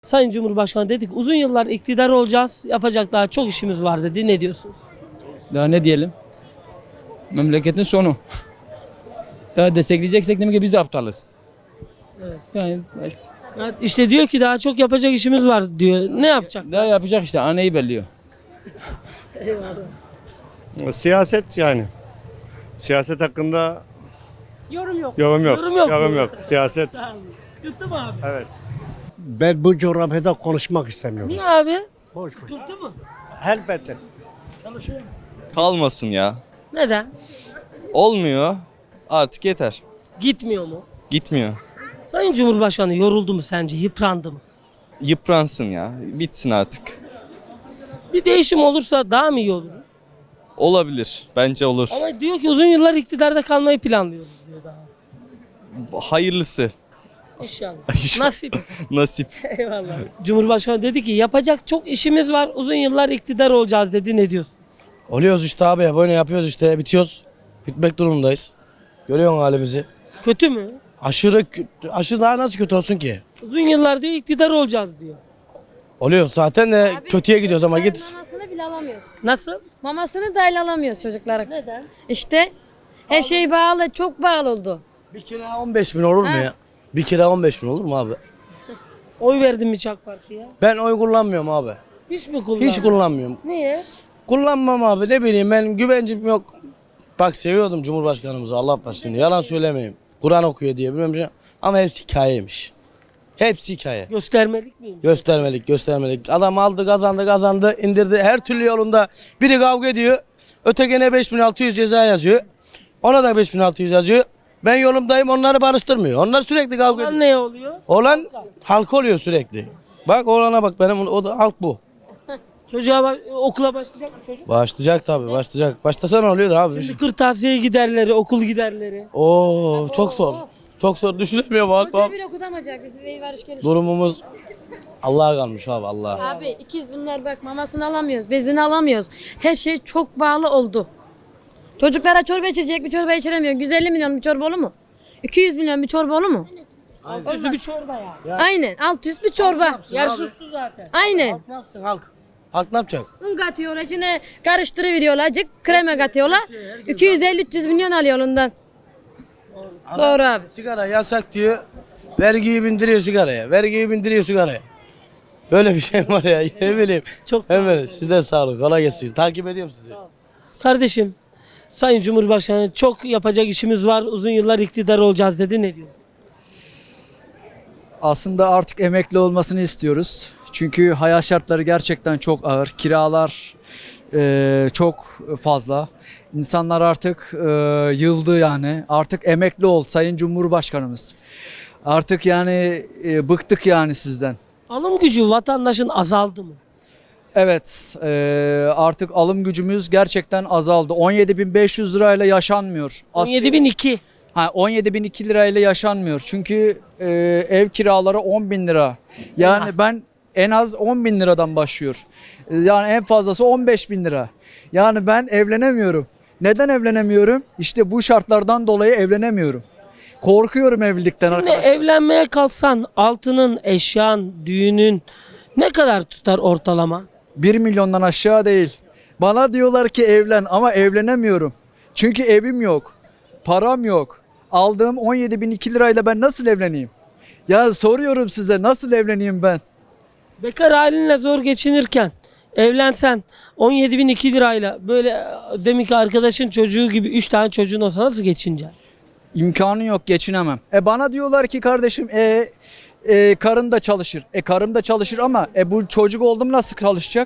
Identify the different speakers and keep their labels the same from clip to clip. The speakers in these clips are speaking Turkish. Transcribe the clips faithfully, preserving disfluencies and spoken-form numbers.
Speaker 1: Sayın Cumhurbaşkanı dedik uzun yıllar iktidar olacağız, yapacak daha çok işimiz var dedi. Ne diyorsunuz?
Speaker 2: Daha ne diyelim? Memleketin sonu. Daha destekleyeceksek demek ki biz de aptalız.
Speaker 1: Evet.
Speaker 2: Yani
Speaker 1: Evet, işte diyor ki daha çok yapacak işimiz var diyor. Ne yapacak?
Speaker 2: daha yapacak işte, anayı belliyor.
Speaker 3: Siyaset yani. Siyaset hakkında
Speaker 1: Yorum yok.
Speaker 3: yorum yok.
Speaker 1: Yorum yok.
Speaker 3: Yorum yok. Siyaset.
Speaker 1: Sıkıntı mı abi?
Speaker 3: Evet.
Speaker 4: Ben bu coğrafyada konuşmak istemiyorum.
Speaker 1: Niye abi?
Speaker 4: Boş boş.
Speaker 1: Sıkıntı mı?
Speaker 4: Elbette.
Speaker 5: Kalmasın ya.
Speaker 1: Neden?
Speaker 5: Olmuyor. Artık yeter.
Speaker 1: Gitmiyor mu?
Speaker 5: Gitmiyor.
Speaker 1: Sayın Cumhurbaşkanı yoruldu mu sence? Yıprandı mı?
Speaker 5: Yıpransın ya. Bitsin artık.
Speaker 1: Bir değişim olursa daha mı iyi olur?
Speaker 5: Olabilir. Bence olur.
Speaker 1: Ama diyor ki uzun yıllar iktidarda kalmayı planlıyoruz diyor daha.
Speaker 5: Hayırlısı.
Speaker 1: İnşallah.
Speaker 5: İnşallah.
Speaker 1: Nasip.
Speaker 5: Nasip.
Speaker 1: Eyvallah. Cumhurbaşkanı dedi ki yapacak çok işimiz var. Uzun yıllar iktidar olacağız dedi. Ne diyorsun?
Speaker 6: Oluyoruz işte abi, böyle yapıyoruz işte, bitiyoruz. Bitmek durumundayız. Görüyorsun halimizi.
Speaker 1: Kötü mü?
Speaker 6: Aşırı kö- aşırı daha nasıl kötü olsun ki?
Speaker 1: Uzun yıllar diyor iktidar olacağız diyor.
Speaker 6: Oluyoruz zaten de
Speaker 7: Abi,
Speaker 6: kötüye gidiyoruz ama
Speaker 7: çocukların
Speaker 6: git.
Speaker 7: Mamasını bile alamıyoruz.
Speaker 1: Nasıl?
Speaker 7: Mamasını dahil alamıyoruz çocuklara.
Speaker 1: Neden?
Speaker 7: İşte her şey bağlı, çok bağlı oldu.
Speaker 6: Bir kira on beş bin olur mu
Speaker 7: Ha.
Speaker 6: ya? Bir kira on beş bin olur mu abi?
Speaker 1: Oy verdin mi AK Parti'ye?
Speaker 6: Ben oy kullanmıyorum abi.
Speaker 1: Hiç mi kullandın?
Speaker 6: Hiç kullanmıyorum.
Speaker 1: Niye?
Speaker 6: Kullanmam abi, ne bileyim, ben güvencim yok. Bak, seviyordum Cumhurbaşkanımızı, Allah başlasın. Yalan söylemeyeyim. Kur'an okuyor diye bilmem şey. Ama hepsi hikayeymiş. Hepsi hikaye.
Speaker 1: Göstermelik miyim?
Speaker 6: Göstermelik, göstermelik. Adam aldı, kazandı, kazandı, indirdi. Her türlü yolunda biri kavga ediyor. Ötekine beş bin altı yüz ceza yazıyor. Ona da beş bin altı yüz yazıyor. Ben yolumdayım, onları barıştırmıyor. Onlar sürekli kavga
Speaker 1: Lan
Speaker 6: ediyor.
Speaker 1: ne oluyor?
Speaker 6: Olan halk oluyor sürekli. Bak oğlana bak, benim o da halk bu.
Speaker 1: Çocuğa bak, okula başlayacak mı çocuk?
Speaker 6: Başlayacak tabii, başlayacak. Başlasa ne oluyor da abi?
Speaker 1: Şimdi kırtasiye giderleri, okul giderleri.
Speaker 6: Oo, çok zor. Çok zor, düşünemiyorum bak
Speaker 7: Hoca
Speaker 6: bak.
Speaker 7: bile okutamayacak bizi ve varış geliş.
Speaker 6: Durumumuz Allah'a kalmış abi, Allah'a.
Speaker 7: Abi ikiz bunlar, bak mamasını alamıyoruz, bezini alamıyoruz. Her şey çok bağlı oldu. Çocuklara çorba içecek, bir çorba içiremiyor. yüz elli milyon bir çorba olur mu? iki yüz milyon bir çorba olur mu?
Speaker 1: Altı bir çorba ya.
Speaker 7: Aynen, altı yüz bir çorba.
Speaker 1: Yersiz su zaten.
Speaker 7: Aynen.
Speaker 6: Halk ne yapsın halk? Halk ne yapacak?
Speaker 7: Un katıyorlar, içine karıştırıveriyorlar, azıcık krema katıyorlar. iki yüz elli üç yüz milyon alıyor ondan. Doğru abi.
Speaker 6: Sigara yasak diyor. Vergiyi bindiriyor sigaraya. Vergiyi bindiriyor sigaraya. Böyle bir şey var ya. Ne bileyim.
Speaker 1: Çok sağ olun.
Speaker 6: Evet, size sağ olun. Kolay gelsin. Takip ediyorum sizi.
Speaker 1: Kardeşim, Sayın Cumhurbaşkanı çok yapacak işimiz var. Uzun yıllar iktidar olacağız dedi. Ne diyor?
Speaker 8: Aslında artık emekli olmasını istiyoruz. Çünkü hayat şartları gerçekten çok ağır. Kiralar e, çok fazla. İnsanlar artık e, yıldı yani. Artık emekli ol Sayın Cumhurbaşkanımız. Artık yani e, bıktık yani sizden.
Speaker 1: Alım gücü vatandaşın azaldı mı?
Speaker 8: Evet, e, artık alım gücümüz gerçekten azaldı. on yedi bin beş yüz lirayla yaşanmıyor.
Speaker 1: on yedi bin iki.
Speaker 8: Ha, on yedi bin iki lirayla yaşanmıyor. Çünkü e, ev kiraları on bin lira. Yani
Speaker 1: En az.
Speaker 8: ben en az on bin liradan başlıyor. E, Yani en fazlası on beş bin lira. Yani ben evlenemiyorum. Neden evlenemiyorum? İşte bu şartlardan dolayı evlenemiyorum. Korkuyorum evlilikten
Speaker 1: Şimdi
Speaker 8: arkadaşlar.
Speaker 1: evlenmeye kalksan altının, eşyan, düğünün ne kadar tutar ortalama?
Speaker 8: bir milyondan aşağı değil. Bana diyorlar ki evlen ama evlenemiyorum. Çünkü evim yok. Param yok. Aldığım on yedi bin iki lirayla ben nasıl evleneyim? Ya soruyorum size, nasıl evleneyim ben?
Speaker 1: Bekar halinle zor geçinirken evlensen on yedi bin iki lirayla böyle demin ki arkadaşın çocuğu gibi üç tane çocuğun olsa nasıl geçineceksin?
Speaker 8: İmkanı yok, geçinemem. E bana diyorlar ki kardeşim e, e, karın da çalışır. E karım da çalışır ama e bu çocuk oldu mu nasıl çalışacak?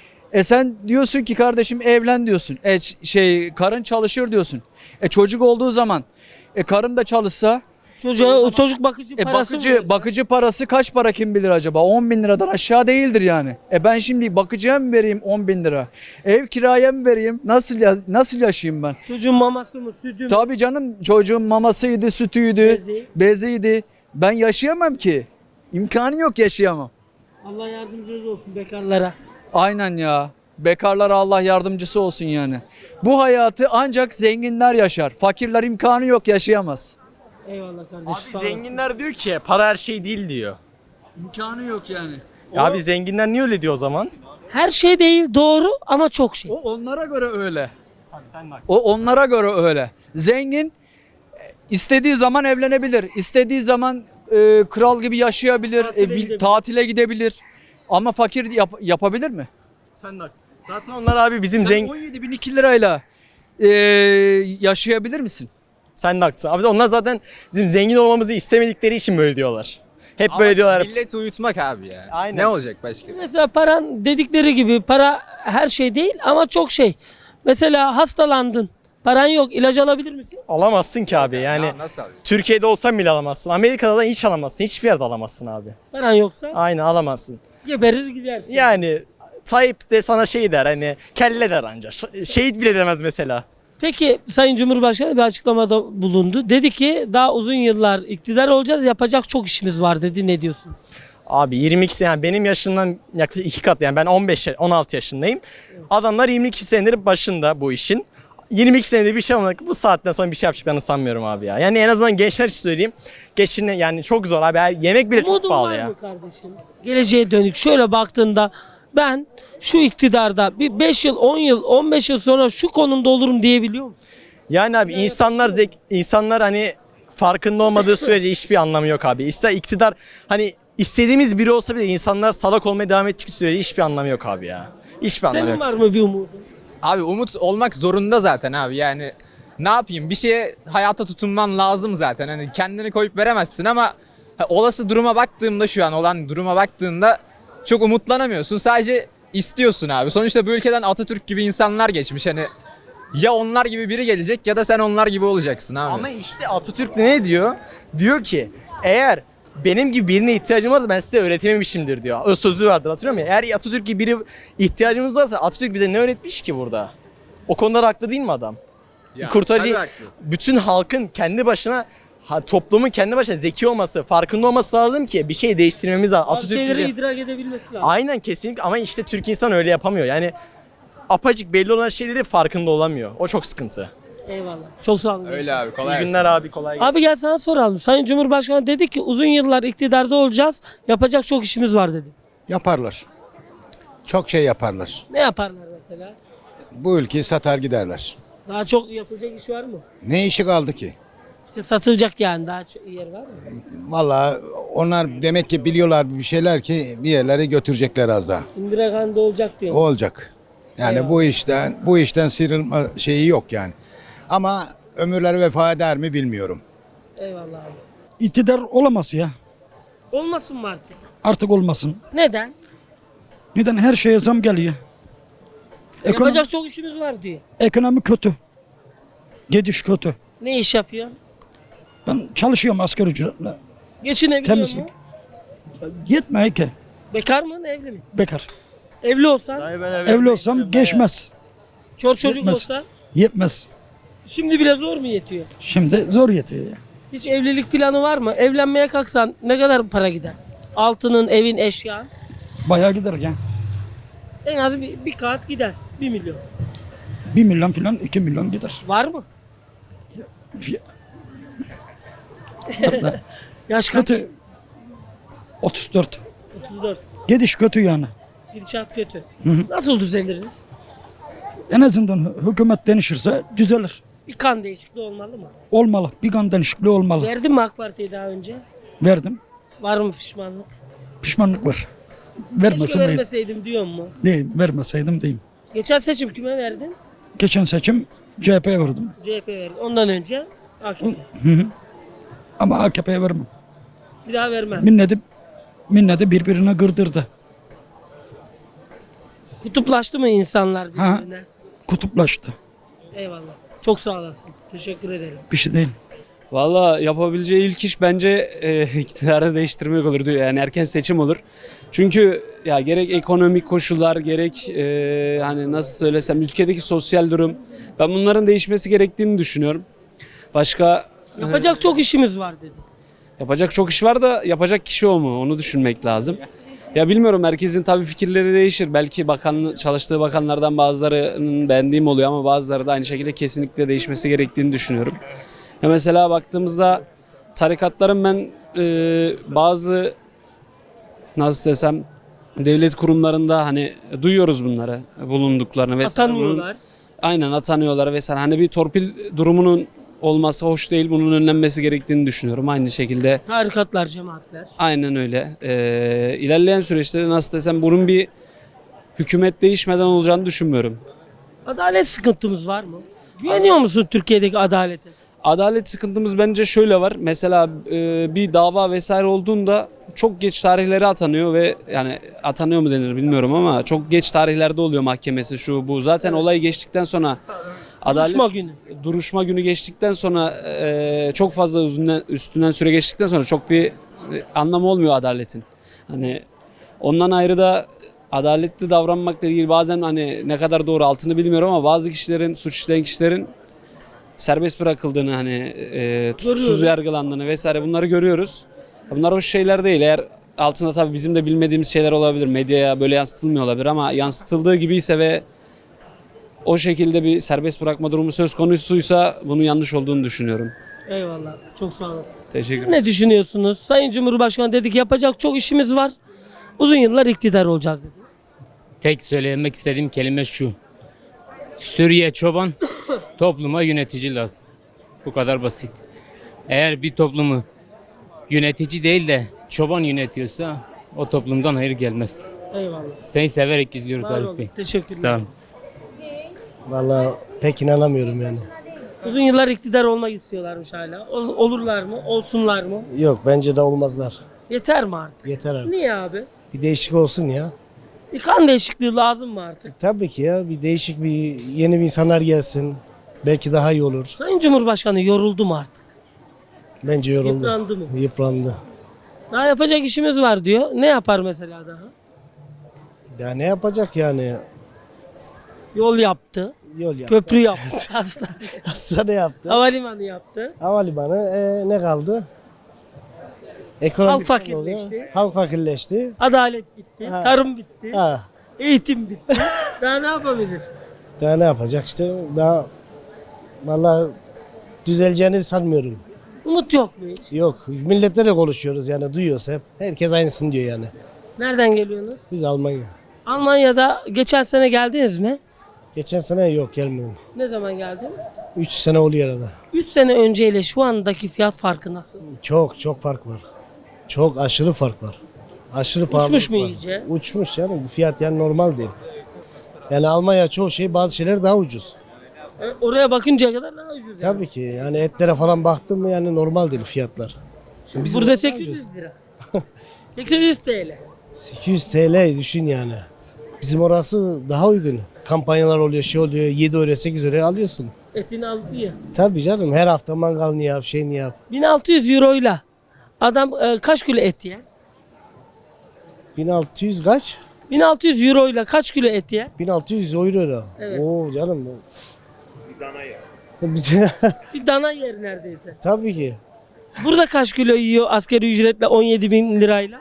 Speaker 8: E sen diyorsun ki kardeşim evlen diyorsun. E ç- şey karın çalışır diyorsun. E çocuk olduğu zaman e karım da çalışsa
Speaker 1: Çocuğa, o çocuk bakıcı
Speaker 8: e
Speaker 1: parası mı
Speaker 8: bakıcı
Speaker 1: verecek?
Speaker 8: bakıcı parası kaç para kim bilir acaba? on bin liradan aşağı değildir yani. E ben şimdi bakıcıya mı vereyim on bin lira? Ev kiraya mı vereyim? Nasıl ya- nasıl yaşayayım ben?
Speaker 1: Çocuğun maması mı, sütü mü?
Speaker 8: Tabii canım, çocuğun mamasıydı, sütüydü,
Speaker 1: Bezi.
Speaker 8: beziydi. Ben yaşayamam ki. İmkanı yok, yaşayamam.
Speaker 1: Allah yardımcınız olsun bekarlara.
Speaker 8: Aynen ya. Bekarlara Allah yardımcısı olsun yani. Bu hayatı ancak zenginler yaşar. Fakirler imkanı yok, yaşayamaz.
Speaker 1: Eyvallah kardeşim.
Speaker 9: Abi
Speaker 1: sağ olasın.
Speaker 9: zenginler diyor ki para her şey değil diyor.
Speaker 8: İmkanı yok yani.
Speaker 9: Ya abi zenginler niye öyle diyor o zaman?
Speaker 1: Her şey değil doğru ama çok şey.
Speaker 8: O onlara göre öyle.
Speaker 9: Tabii sen de
Speaker 8: O onlara göre öyle. Zengin e, istediği zaman evlenebilir. İstediği zaman e, kral gibi yaşayabilir.
Speaker 1: Tatile
Speaker 8: e, vil-
Speaker 1: gidebilir.
Speaker 8: tatile gidebilir. Ama fakir yap- yapabilir mi?
Speaker 9: Sen de Zaten onlar abi bizim
Speaker 8: Sen
Speaker 9: zengin...
Speaker 8: on yedi bin iki lirayla e, yaşayabilir misin?
Speaker 9: Sen de haklısın. Abi onlar zaten bizim zengin olmamızı istemedikleri için böyle diyorlar. Hep böyle
Speaker 10: Ama
Speaker 9: diyorlar.
Speaker 10: milleti uyutmak abi ya.
Speaker 9: Aynen.
Speaker 10: Ne olacak başka?
Speaker 1: Mesela paran dedikleri gibi para her şey değil ama çok şey. Mesela hastalandın. Paran yok. İlaç alabilir misin?
Speaker 9: Alamazsın ki abi yani.
Speaker 10: Ya nasıl alacak?
Speaker 9: Türkiye'de olsan bile alamazsın. Amerika'da da hiç alamazsın. Hiçbir yerde alamazsın abi.
Speaker 1: Paran yoksa
Speaker 9: Aynen alamazsın.
Speaker 1: geberir gidersin.
Speaker 9: Yani Tayyip de sana şey der hani kelle der anca. Ş- Şehit bile demez mesela.
Speaker 1: Peki Sayın Cumhurbaşkanı bir açıklamada bulundu. Dedi ki daha uzun yıllar iktidar olacağız. Yapacak çok işimiz var dedi. Ne diyorsun?
Speaker 9: Abi yirmi iki sene yani benim yaşımdan yaklaşık iki kat yani ben on beş on altı yaşındayım. Adamlar yirmi iki senedir başında bu işin. yirmi iki senede bir şey olmadık. Bu saatten sonra bir şey yapacaklarını sanmıyorum abi ya. Yani en azından gençler için söyleyeyim. Geçine yani çok zor abi. Her- Yemek bile çok
Speaker 1: Umudun
Speaker 9: pahalı
Speaker 1: var
Speaker 9: ya.
Speaker 1: mı kardeşim? Geleceğe dönük şöyle baktığında ben şu iktidarda bir beş yıl, on yıl, on beş yıl sonra şu konumda olurum diyebiliyor musun?
Speaker 9: Yani abi insanlar zek insanlar hani farkında olmadığı sürece hiçbir anlamı yok abi. İster iktidar hani istediğimiz biri olsa bile insanlar salak olmaya devam ettiği sürece hiçbir anlamı yok abi ya. Hiçbir anlamı
Speaker 1: Senin
Speaker 9: yok.
Speaker 1: var mı bir umudun?
Speaker 10: Abi umut olmak zorunda zaten abi yani. Ne yapayım? Bir şeye hayata tutunman lazım zaten. Hani kendini koyup veremezsin ama ha, olası duruma baktığımda şu an olan duruma baktığında çok umutlanamıyorsun. Sadece istiyorsun abi. Sonuçta bu ülkeden Atatürk gibi insanlar geçmiş. Hani ya onlar gibi biri gelecek ya da sen onlar gibi olacaksın abi.
Speaker 9: Ama işte Atatürk ne diyor? Diyor ki eğer benim gibi birine ihtiyacım varsa ben size öğretememişimdir diyor. O sözü vardır hatırlıyor musun? Eğer Atatürk gibi biri ihtiyacımız varsa Atatürk bize ne öğretmiş ki burada? O konuda haklı değil mi adam?
Speaker 10: Ya,
Speaker 9: Kurtarıcı
Speaker 10: tabii haklı.
Speaker 9: bütün halkın kendi başına ha, toplumun kendi başına zeki olması, farkında olması lazım ki bir şey değiştirmemiz lazım.
Speaker 1: Bazı
Speaker 9: Atatürk
Speaker 1: şeyleri
Speaker 9: gibi-
Speaker 1: idrak edebilmesi lazım.
Speaker 9: Aynen kesinlikle ama işte Türk insan öyle yapamıyor. Yani apacık belli olan şeyleri farkında olamıyor. O çok sıkıntı.
Speaker 1: Eyvallah. Çok sağ olun.
Speaker 10: Öyle abi kolay
Speaker 9: İyi
Speaker 10: gelsin.
Speaker 9: günler abi kolay gelsin.
Speaker 1: Abi gel sana soralım. Sayın Cumhurbaşkanı dedi ki uzun yıllar iktidarda olacağız. Yapacak çok işimiz var dedi.
Speaker 11: Yaparlar. Çok şey yaparlar.
Speaker 1: Ne yaparlar mesela?
Speaker 11: Bu ülkeyi satar giderler.
Speaker 1: Daha çok yapılacak iş var mı?
Speaker 11: Ne işi kaldı ki?
Speaker 1: İşte satılacak yani daha çok yer var mı?
Speaker 11: Vallahi onlar demek ki biliyorlar bir şeyler ki bir yerlere götürecekler az daha.
Speaker 1: İndira Gandhi olacak diyor.
Speaker 11: O olacak. Yani
Speaker 1: Eyvallah.
Speaker 11: bu işten bu işten sıyrılma şeyi yok yani. Ama ömürleri vefa eder mi bilmiyorum.
Speaker 1: Eyvallah abi.
Speaker 12: İktidar olamaz ya.
Speaker 1: Olmasın mı artık?
Speaker 12: Artık olmasın.
Speaker 1: Neden?
Speaker 12: Neden her şeye zam geliyor? Ekonomi,
Speaker 1: Yapacak çok işimiz var diyor.
Speaker 12: ekonomi kötü. Gidiş kötü.
Speaker 1: Ne iş yapıyor?
Speaker 12: Ben çalışıyorum asgari ücretle.
Speaker 1: Geçinebiliyor
Speaker 12: Temizlik.
Speaker 1: mu?
Speaker 12: Yetmiyor ki.
Speaker 1: Bekar mı evli mi?
Speaker 12: Bekar.
Speaker 1: Evli olsan,
Speaker 12: Evli olsam geçmez.
Speaker 1: çor çocuk
Speaker 12: Yetmez.
Speaker 1: olsa
Speaker 12: Yetmez.
Speaker 1: şimdi bile zor mu yetiyor?
Speaker 12: Şimdi zor yetiyor ya.
Speaker 1: Hiç evlilik planı var mı? Evlenmeye kalksan ne kadar para gider? Altının, evin, eşyan.
Speaker 12: Bayağı gider ya.
Speaker 1: En az bir, bir kağıt gider. Bir milyon.
Speaker 12: Bir milyon falan iki milyon gider.
Speaker 1: Var mı? Yaş kaç?
Speaker 12: Kötü. otuz dört.
Speaker 1: otuz dört.
Speaker 12: Gidiş kötü yani.
Speaker 1: Gidişat kötü.
Speaker 12: Hı hı.
Speaker 1: Nasıl düzeliriz?
Speaker 12: En azından hü- hükümet değişirse düzelir.
Speaker 1: Bir kan değişikliği olmalı mı?
Speaker 12: Olmalı. Bir kan değişikliği olmalı.
Speaker 1: Verdin mi AK Parti'yi daha önce?
Speaker 12: Verdim.
Speaker 1: Var mı pişmanlık?
Speaker 12: Pişmanlık var.
Speaker 1: Keşke
Speaker 12: Vermesem iyiydi.
Speaker 1: vermeseydim diyor mu?
Speaker 12: Değil, vermeseydim diyeyim.
Speaker 1: Geçen seçim kime verdin?
Speaker 12: Geçen seçim C H P'ye verdim.
Speaker 1: C H P verdin. Ondan önce A K P.
Speaker 12: Hı hı. Ama A K P'ye vermem.
Speaker 1: Bir daha vermem.
Speaker 12: Milleti, milleti birbirine kırdırdı.
Speaker 1: Kutuplaştı mı insanlar
Speaker 12: Ha.
Speaker 1: birbirine?
Speaker 12: Kutuplaştı.
Speaker 1: Eyvallah. Çok sağ olasın. Teşekkür ederim.
Speaker 12: Bir şey değil.
Speaker 13: Valla yapabileceği ilk iş bence e, iktidarı değiştirmek olur diyor. Yani erken seçim olur. Çünkü ya gerek ekonomik koşullar gerek e, hani nasıl söylesem ülkedeki sosyal durum ben bunların değişmesi gerektiğini düşünüyorum. Başka
Speaker 1: Yapacak çok işimiz var dedi.
Speaker 13: yapacak çok iş var da yapacak kişi o mu onu düşünmek lazım. Ya bilmiyorum herkesin tabii fikirleri değişir. Belki bakan çalıştığı bakanlardan bazılarının beğendiğim oluyor ama bazıları da aynı şekilde kesinlikle değişmesi gerektiğini düşünüyorum. Ya mesela baktığımızda tarikatların ben e, bazı nasıl desem devlet kurumlarında hani duyuyoruz bunları bulunduklarını vesaire.
Speaker 1: Atanıyorlar.
Speaker 13: Aynen atanıyorlar vesaire. Hani bir torpil durumunun olması hoş değil. Bunun önlenmesi gerektiğini düşünüyorum. Aynı şekilde
Speaker 1: Tarikatlar, cemaatler.
Speaker 13: aynen öyle. Ee, ilerleyen süreçte nasıl desem bunun bir hükümet değişmeden olacağını düşünmüyorum.
Speaker 1: Adalet sıkıntımız var mı? Güveniyor musun Türkiye'deki adalete?
Speaker 13: Adalet sıkıntımız bence şöyle var. Mesela e, bir dava vesaire olduğunda çok geç tarihleri atanıyor ve yani atanıyor mu denir bilmiyorum ama çok geç tarihlerde oluyor mahkemesi şu bu. Zaten olay geçtikten sonra adalet
Speaker 1: Duruşma günü.
Speaker 13: duruşma günü geçtikten sonra e, çok fazla üstünden, üstünden süre geçtikten sonra çok bir e, anlamı olmuyor adaletin. Hani ondan ayrı da adaletli davranmakla ilgili bazen hani ne kadar doğru altını bilmiyorum ama bazı kişilerin suç işleyen kişilerin serbest bırakıldığını hani e, tutuksuz
Speaker 1: Görüyoruz.
Speaker 13: yargılandığını vesaire bunları görüyoruz. Bunlar hoş şeyler değil. Eğer altında tabii bizim de bilmediğimiz şeyler olabilir. Medyaya böyle yansıtılmıyor olabilir ama yansıtıldığı gibiyse ve o şekilde bir serbest bırakma durumu söz konusuysa bunun yanlış olduğunu düşünüyorum.
Speaker 1: Eyvallah. Çok sağ olun.
Speaker 13: Teşekkür ederim.
Speaker 1: Ne düşünüyorsunuz? Sayın Cumhurbaşkanı dedi ki yapacak çok işimiz var. Uzun yıllar iktidar olacağız dedi.
Speaker 2: Tek söylemek istediğim kelime şu. Suriye çoban, topluma yönetici lazım. Bu kadar basit. Eğer bir toplumu yönetici değil de çoban yönetiyorsa o toplumdan hayır gelmez.
Speaker 1: Eyvallah.
Speaker 2: Seni severek izliyoruz
Speaker 1: Var
Speaker 2: Arif
Speaker 1: olun.
Speaker 2: Bey.
Speaker 1: Teşekkürler.
Speaker 2: Sağ olun.
Speaker 6: Vallahi pek inanamıyorum yani.
Speaker 1: Uzun yıllar iktidar olmak istiyorlarmış hala. Ol- olurlar mı? Olsunlar mı?
Speaker 6: Yok bence de olmazlar.
Speaker 1: Yeter mi artık?
Speaker 6: Yeter artık.
Speaker 1: Niye abi?
Speaker 6: Bir değişik olsun ya.
Speaker 1: Bir kan değişikliği lazım mı artık?
Speaker 6: Tabii ki ya bir değişik bir yeni bir insanlar gelsin. Belki daha iyi olur.
Speaker 1: Sayın Cumhurbaşkanı yoruldu mu artık?
Speaker 6: Bence yoruldu.
Speaker 1: Yıprandı mı?
Speaker 6: Yıprandı.
Speaker 1: Daha yapacak işimiz var diyor. Ne yapar mesela daha?
Speaker 6: Ya ne yapacak yani?
Speaker 1: Yol yaptı.
Speaker 6: Yol yaptı.
Speaker 1: Köprü yaptı. Hastane.
Speaker 6: Hastane yaptı.
Speaker 1: Havalimanı yaptı.
Speaker 6: Havalimanı e, ne kaldı? Ekonomik
Speaker 1: Halk
Speaker 6: sorun oluyor.
Speaker 1: fakirleşti.
Speaker 6: Halk fakirleşti.
Speaker 1: Adalet bitti.
Speaker 6: Ha.
Speaker 1: Tarım bitti.
Speaker 6: Ha.
Speaker 1: Eğitim bitti. Daha ne yapabilir?
Speaker 6: Daha ne yapacak işte? Daha vallahi düzeleceğini sanmıyorum.
Speaker 1: Umut yok mu hiç?
Speaker 6: Yok. Milletle de konuşuyoruz yani duyuyoruz hep. Herkes aynısını diyor yani.
Speaker 1: Nereden geliyorsunuz?
Speaker 6: Biz Almanya.
Speaker 1: Almanya'da geçen sene geldiniz mi?
Speaker 6: Geçen sene yok gelmedim.
Speaker 1: Ne zaman geldin?
Speaker 6: üç sene oluyor arada.
Speaker 1: üç sene önceyle şu andaki fiyat farkı nasıl?
Speaker 6: Çok çok fark var. Çok aşırı fark var. Aşırı pahalı.
Speaker 1: Uçmuş mu iyice?
Speaker 6: Uçmuş yani bu fiyat yani normal değil. Yani Almanya çoğu şey bazı şeyler daha ucuz.
Speaker 1: E, Oraya bakıncaya kadar daha ucuz. yani.
Speaker 6: Tabii ki yani etlere falan baktım mı yani normal değil fiyatlar. Bizim
Speaker 1: Burada
Speaker 6: orada
Speaker 1: sekiz
Speaker 6: ucuz.
Speaker 1: yüz lira. sekiz yüz T L.
Speaker 6: sekiz yüz T L düşün yani. Bizim orası daha uygun. Kampanyalar oluyor, şey oluyor. yedi euroya sekiz euroya alıyorsun.
Speaker 1: Etini aldı ya.
Speaker 6: Tabii canım her hafta mangalını yap, şeyini yap.
Speaker 1: bin altı yüz euroyla adam e, kaç kilo et yer?
Speaker 6: bin altı yüz kaç?
Speaker 1: bin altı yüz euroyla kaç kilo et yer?
Speaker 6: bin altı yüz euro.
Speaker 1: Evet.
Speaker 6: Oo canım. Bir dana yer.
Speaker 1: Bir dana yer neredeyse.
Speaker 6: Tabii ki.
Speaker 1: Burada kaç kilo yiyor asgari ücretle on yedi bin lirayla?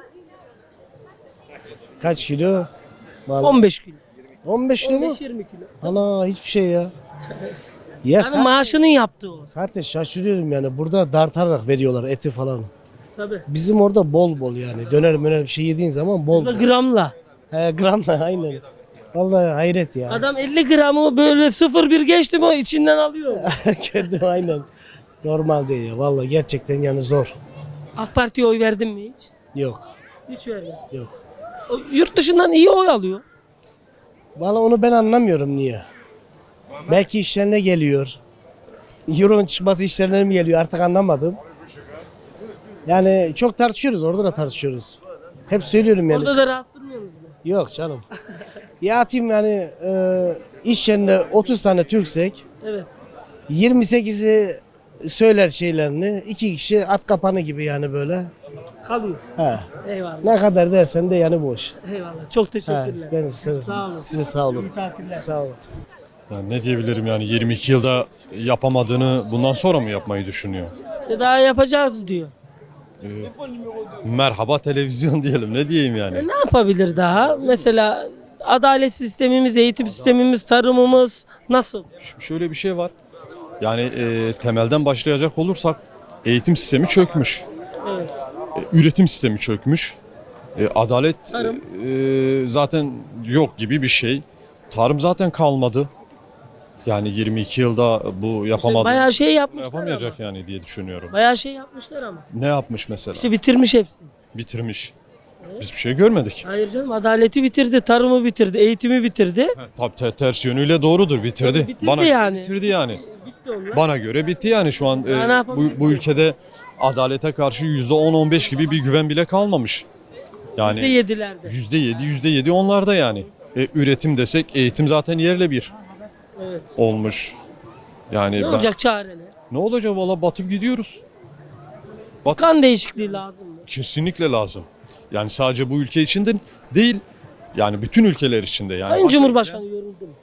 Speaker 6: Kaç kilo? Vallahi
Speaker 1: on beş kilo.
Speaker 6: on beş kilo
Speaker 1: on
Speaker 6: mu?
Speaker 1: beş yirmi kilo.
Speaker 6: Ana hiçbir şey ya. Ya
Speaker 1: Yani
Speaker 6: zaten,
Speaker 1: maaşının yaptığı o.
Speaker 6: zaten şaşırıyorum yani. Burada dartarak veriyorlar eti falan.
Speaker 1: Tabii.
Speaker 6: Bizim orada bol bol yani. Döner möner bir şey yediğin zaman bol
Speaker 1: Burada
Speaker 6: bol.
Speaker 1: gramla.
Speaker 6: He gramla aynen. Vallahi hayret ya.
Speaker 1: Adam elli gramı böyle sıfır bir geçti mi o içinden alıyor.
Speaker 6: Gördüm aynen. Normal değil ya. Vallahi gerçekten yani zor.
Speaker 1: AK Parti'ye oy verdin mi hiç?
Speaker 6: Yok.
Speaker 1: Hiç vermedim.
Speaker 6: Yok.
Speaker 1: O yurt dışından iyi oy alıyor.
Speaker 6: Vallahi onu ben anlamıyorum niye. Belki işlerine geliyor. Euro'nun çıkması işlerine mi geliyor artık anlamadım. Yani çok tartışıyoruz orada da tartışıyoruz. Hep söylüyorum yani.
Speaker 1: Orada da rahat durmuyorsunuz mu?
Speaker 6: Yok canım. Ya atayım yani e, iş yerinde otuz tane Türksek
Speaker 1: Evet.
Speaker 6: yirmi sekizi söyler şeylerini. iki kişi at kapanı gibi yani böyle.
Speaker 1: Kalıyor.
Speaker 6: He.
Speaker 1: Eyvallah.
Speaker 6: Ne kadar dersen de yani boş.
Speaker 1: Eyvallah. Çok
Speaker 6: He,
Speaker 1: teşekkürler.
Speaker 6: ben size,
Speaker 1: Sağ olun.
Speaker 6: size sağ olun.
Speaker 1: İyi tatiller.
Speaker 6: Sağ olun.
Speaker 14: Yani ne diyebilirim yani yirmi iki yılda yapamadığını bundan sonra mı yapmayı düşünüyor?
Speaker 1: İşte daha yapacağız diyor.
Speaker 14: Merhaba televizyon diyelim ne diyeyim yani.
Speaker 1: E ne yapabilir daha? Mesela adalet sistemimiz, eğitim sistemimiz, tarımımız nasıl?
Speaker 14: Şimdi şöyle bir şey var. Yani e, temelden başlayacak olursak eğitim sistemi çökmüş.
Speaker 1: Evet.
Speaker 14: E, üretim sistemi çökmüş. E, adalet
Speaker 1: Tarım.
Speaker 14: e, zaten yok gibi bir şey. Tarım zaten kalmadı. Yani yirmi iki yılda bu yapamadı.
Speaker 1: Bayağı şey yapmışlar
Speaker 14: Yapamayacak
Speaker 1: ama.
Speaker 14: yani diye düşünüyorum.
Speaker 1: Bayağı şey yapmışlar ama.
Speaker 14: Ne yapmış mesela?
Speaker 1: İşte bitirmiş hepsini.
Speaker 14: Bitirmiş. Biz bir şey görmedik.
Speaker 1: Hayır canım, adaleti bitirdi, tarımı bitirdi, eğitimi bitirdi.
Speaker 14: Tabii te- ters yönüyle doğrudur, bitirdi.
Speaker 1: Tabii bitirdi
Speaker 14: Bana
Speaker 1: yani.
Speaker 14: bitirdi yani.
Speaker 1: Bitti onlar.
Speaker 14: Bana göre bitti yani şu an.
Speaker 1: Daha
Speaker 14: e,
Speaker 1: ne yapabilir?
Speaker 14: bu, bu ülkede adalete karşı yüzde on on beş gibi bir güven bile kalmamış.
Speaker 1: Yüzde
Speaker 14: Yani
Speaker 1: yedilerde.
Speaker 14: yüzde yedi, yüzde yedi onlarda yani. E, üretim desek eğitim zaten yerle bir
Speaker 1: Evet.
Speaker 14: olmuş. Yani
Speaker 1: Ne
Speaker 14: ben-
Speaker 1: olacak çare ne?
Speaker 14: Ne olacak valla batıp gidiyoruz.
Speaker 1: Kan değişikliği lazım mı?
Speaker 14: Kesinlikle lazım. Yani sadece bu ülke için de değil. Yani bütün ülkeler içinde yani.
Speaker 1: Sayın Cumhurbaşkanı yoruldu mu?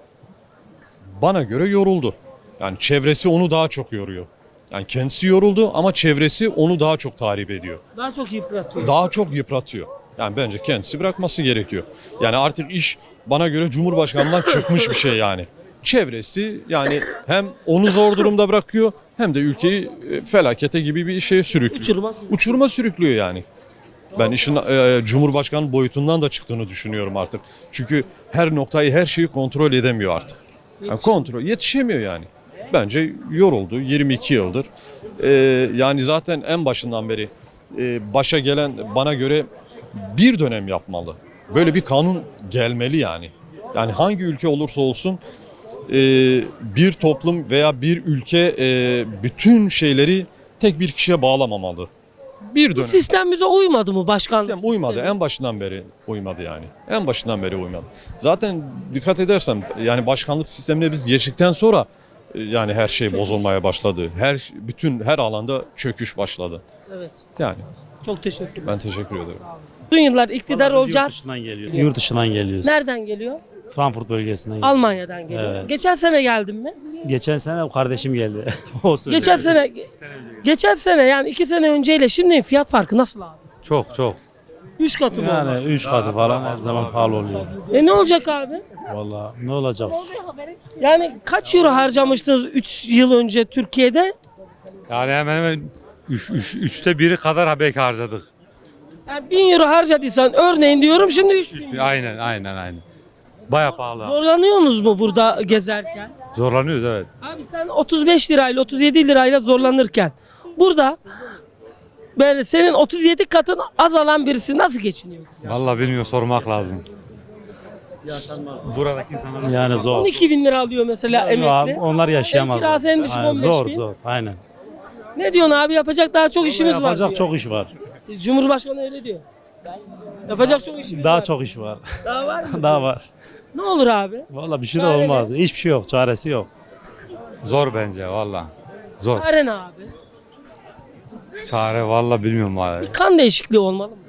Speaker 14: Bana göre yoruldu. Yani çevresi onu daha çok yoruyor. Yani kendisi yoruldu ama çevresi onu daha çok tahrip ediyor.
Speaker 1: Daha çok yıpratıyor.
Speaker 14: Daha çok yıpratıyor. Yani bence kendisi bırakması gerekiyor. Yani artık iş bana göre Cumhurbaşkanı'ndan çıkmış bir şey yani. Çevresi yani hem onu zor durumda bırakıyor hem de ülkeyi e, felakete gibi bir şeye sürüklüyor.
Speaker 1: Uçuruma.
Speaker 14: Uçuruma sürüklüyor yani. Ben işin e, Cumhurbaşkanı boyutundan da çıktığını düşünüyorum artık. Çünkü her noktayı, her şeyi kontrol edemiyor artık. Yani kontrol yetişemiyor yani. Bence yoruldu yirmi iki yıldır. E, yani zaten en başından beri e, başa gelen bana göre bir dönem yapmalı. Böyle bir kanun gelmeli yani. Yani hangi ülke olursa olsun e, bir toplum veya bir ülke e, bütün şeyleri tek bir kişiye bağlamamalı. Bir dönem.
Speaker 1: Sistem bize uymadı mı başkanlık?
Speaker 14: Sistem uymadı. En başından beri uymadı yani. En başından beri uymadı. Zaten dikkat edersen yani başkanlık sistemine biz geçtikten sonra e, yani her şey bozulmaya başladı. Her bütün her alanda çöküş başladı.
Speaker 1: Evet.
Speaker 14: Yani
Speaker 1: Çok teşekkür ederim.
Speaker 14: ben teşekkür ederim.
Speaker 1: Uzun yıllar iktidar olacağız.
Speaker 12: Yurt dışından geliyor. Yurt dışından geliyoruz.
Speaker 1: Nereden geliyor?
Speaker 12: Frankfurt bölgesinden geliyor.
Speaker 1: Almanya'dan geliyor.
Speaker 12: Evet.
Speaker 1: Geçen sene geldin mi?
Speaker 12: Geçen sene kardeşim geldi. O söyledi.
Speaker 1: Geçen sene geçen sene yani iki sene önceyle şimdi fiyat farkı nasıl abi?
Speaker 12: Çok çok.
Speaker 1: Üç katı mı?
Speaker 12: Yani üç katı falan her zaman pahalı oluyor.
Speaker 1: E ne olacak abi?
Speaker 12: Vallahi ne olacak?
Speaker 1: Yani kaç euro harcamıştınız üç yıl önce Türkiye'de?
Speaker 12: Yani hemen hemen üç, üç, üçte biri kadar belki harcadık.
Speaker 1: Yani bin euro harcadıysan örneğin diyorum şimdi üç bin.
Speaker 12: Aynen aynen aynen. Baya pahalı.
Speaker 1: Zorlanıyorsunuz mu burada gezerken?
Speaker 12: Zorlanıyoruz evet.
Speaker 1: Abi sen otuz beş lirayla otuz yedi lirayla zorlanırken burada böyle senin otuz yedi katın az alan birisi nasıl geçiniyor?
Speaker 12: Vallahi bilmiyorum sormak lazım. Buradaki insanlar yani zor.
Speaker 1: on iki bin lira alıyor mesela emekli.
Speaker 12: Onlar yaşayamaz.
Speaker 1: Ev kirası en düşük on beş
Speaker 12: Zor
Speaker 1: bin.
Speaker 12: zor aynen.
Speaker 1: Ne diyorsun abi, yapacak daha çok işimiz var
Speaker 12: Yapacak
Speaker 1: diyor.
Speaker 12: çok iş var.
Speaker 1: Cumhurbaşkanı öyle diyor. Yapacak çok işimiz
Speaker 12: Daha
Speaker 1: var.
Speaker 12: çok iş var.
Speaker 1: Daha var mı?
Speaker 12: Daha var.
Speaker 1: Ne olur abi?
Speaker 12: Vallahi bir şey de
Speaker 1: Çare
Speaker 12: olmaz. Hiçbir şey yok. Çaresi yok. Zor bence valla. Zor.
Speaker 1: Çare ne abi?
Speaker 12: Çare valla bilmiyorum abi.
Speaker 1: Bir kan değişikliği olmalı mı?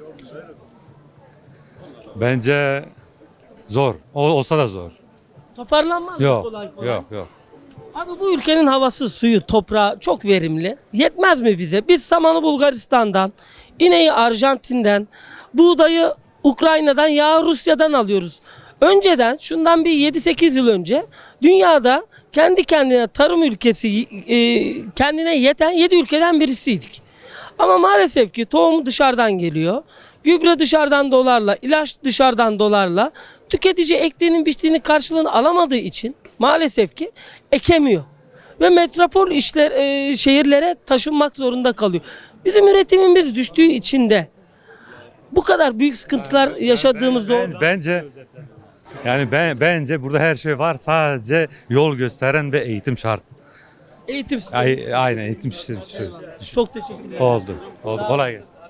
Speaker 12: Bence zor. O, olsa da zor.
Speaker 1: Toparlanmaz mı
Speaker 12: Yok.
Speaker 1: kolay kolay?
Speaker 12: Yok yok.
Speaker 1: Abi bu ülkenin havası, suyu, toprağı çok verimli. Yetmez mi bize? Biz samanı Bulgaristan'dan, ineği Arjantin'den, buğdayı Ukrayna'dan, yağı Rusya'dan alıyoruz. Önceden, şundan bir yedi sekiz yıl önce dünyada kendi kendine tarım ülkesi, e, kendine yeten yedi ülkeden birisiydik. Ama maalesef ki tohum dışarıdan geliyor. Gübre dışarıdan dolarla, ilaç dışarıdan dolarla. Tüketici ektiğinin biçtiğinin karşılığını alamadığı için maalesef ki ekemiyor. Ve metropol işler e, şehirlere taşınmak zorunda kalıyor. Bizim üretimimiz düştüğü için de bu kadar büyük sıkıntılar yaşadığımız doğru.
Speaker 12: Bence yani ben bence burada her şey var. Sadece yol gösteren ve eğitim şart.
Speaker 1: Eğitim sistemi.
Speaker 12: Ay, aynen eğitim sistemi.
Speaker 1: Çok teşekkür ederim.
Speaker 12: Oldu. Oldu. Kolay gelsin.